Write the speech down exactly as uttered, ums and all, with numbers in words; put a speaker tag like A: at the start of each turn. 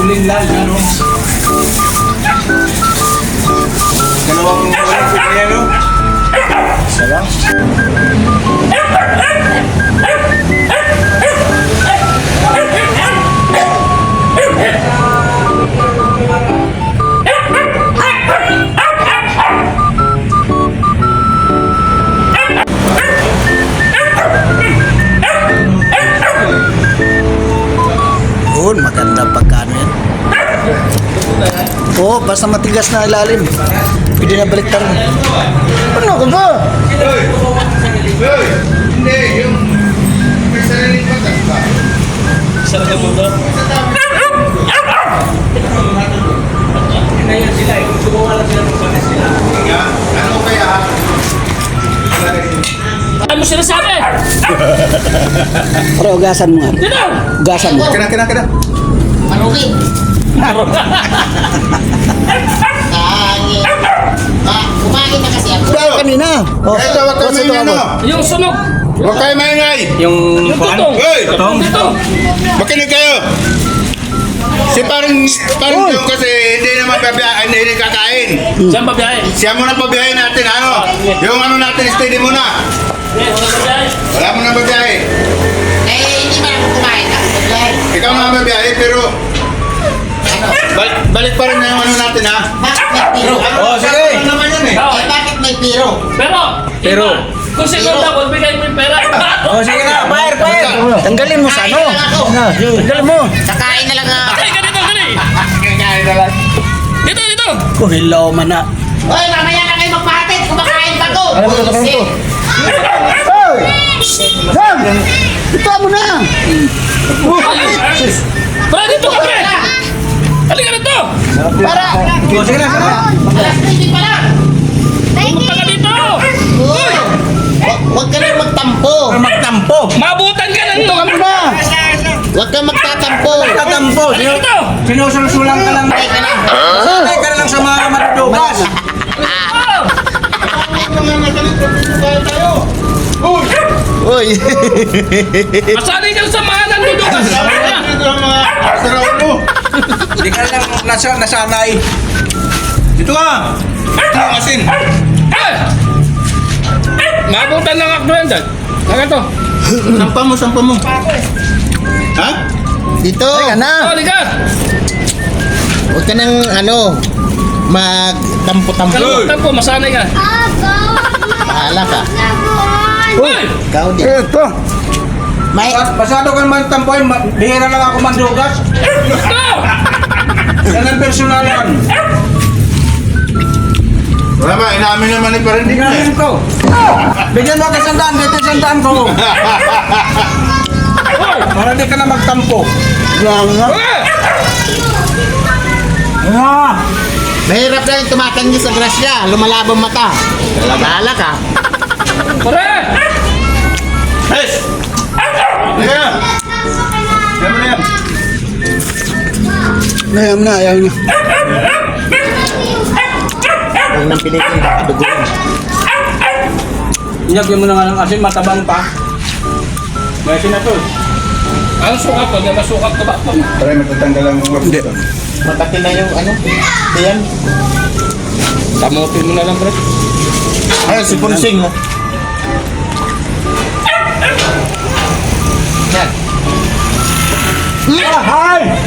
A: Ulinlan, ano? Dalawang uling ko niya, no? Isa lang.
B: Yun, maganda pagkano yan. Oo, basta matigas na ilalim. Pwede na balik rin. Ano ka ba?
A: Hindi, yung may sariling patas ba?
C: Sarap na mundo. Ngayon sila eh. Subukan lang sila kung panas sila.
A: Ano kaya?
C: Ano mo sinasabi?
B: Pero ugasan mo nga.
C: Dito!
B: Ugasan mo.
A: Kena, kena, kena.
D: Manuki. Tangi. Ah, kumain na kasi ako.
B: Kaya kanina. Oh,
A: Ito, wag kayo
B: what's
A: may
B: ito,
A: ano.
B: abo?
C: Yung sunog!
A: Huwag kayo maingay.
C: Yung tutong!
A: Hoy!
C: Tutong! Tutong!
A: Makinig kayo. Si parang, parang
B: Uy!
A: yung kasi hindi naman pabiyahin, hindi, hindi kakain.
C: Saan ba biyahe?
A: Siya muna pabiyahin natin, ano? Yung ano natin, steady muna.
C: Eh, wala ba biyahe?
A: Wala mo na pabiyahin.
D: Eh, hindi man ako kumain. Ako naglahi.
A: Ikaw na pabiyahin, pero balik, balik pa rin na yung ano natin, ha?
D: Bakit may piro?
A: Oh, sige. Ano naman yan, eh?
D: Eh, bakit may piro?
C: Pero!
A: Pero.
C: iba, kung siguro dapat bigay mo yung pera.
A: Oh, sige na, fire, fire.
B: Tanggalin mo sa ano.
D: Kakain na lang ako.
B: Na, tanggalin mo.
D: Kakain na lang ako.
C: Ay, ganito, ganito!
A: Kakain na lang.
C: Dito, dito!
B: Oh, hilaw man na.
D: Hoy, mamaya na kayo magpahatid. Kumakain pa ko.
B: Ano ba ito?
D: Buisit.
B: Hoy! Sam! Ito mo na!
C: Para dito ka, pre! Halika dito!
D: Para.
B: Oh, sige na, sige na.
D: Alas tres pa lang.
C: Pumunta ka dito!
D: Uy. Hu- Huwag ka lang magtampo.
B: Magtampo.
C: Mabutan ka ng
B: Ito ka muna.
D: Huwag kang magtatampo.
B: Magtampo.
C: Halika dito!
B: Sinusulsulang ka lang.
D: Ay ka lang.
B: Sanay ka na lang sa mga madudugas.
C: Oh!
B: Uy!
C: Masanay ka sa mga nandudugas!
A: Ito ang mga asaraw mo.
B: Hindi ka lang nasa, nasanay.
A: Dito ka. Ito yung asin.
C: Eh! Mabutan ng akdo yan dyan. Saka to.
A: Sampa mo, sampa mo. Ha?
D: Dito.
B: Teka na.
C: Oh, halika!
D: Huwag ka nang ano, magtampo-tampo.
C: Kalimutan po, masanay ka.
D: Bahala ka.
C: Uy!
D: Ikaw din.
B: Ito.
D: May,
B: Pasado ka naman tampoy. Bihira lang ako mandugas.
C: Ito!
B: Yan ang personalan.
A: Wala ba, inaamin naman ni Parindik na eh.
B: Bigyan ko. Bigyan mo ka sandaan. Dito sandaan ko. Para di ka na magtampo. Yan nga.
C: Eh!
B: Ah!
D: mahirap na yung tumatanggi sa grasya. Lumalabang mata. Bahala ka.
C: Pare!
A: Yes! Ayan! Ayan mo na yan.
B: Ayaw na, ayaw na.
D: Huwag nang pilitin. Duguin.
B: Inagyan mo na nga ng asin, matabang pa. May asin na to.
C: Ang sukat ko, dahil masukat ka ba?
A: Pare, matatanggal ang mga
B: Hindi.
D: Mataki na yung ano. Ayan.
C: Tamutin mo na lang, pre.
D: Ay, si Punsing. oh. Yan.
B: Ah, hi!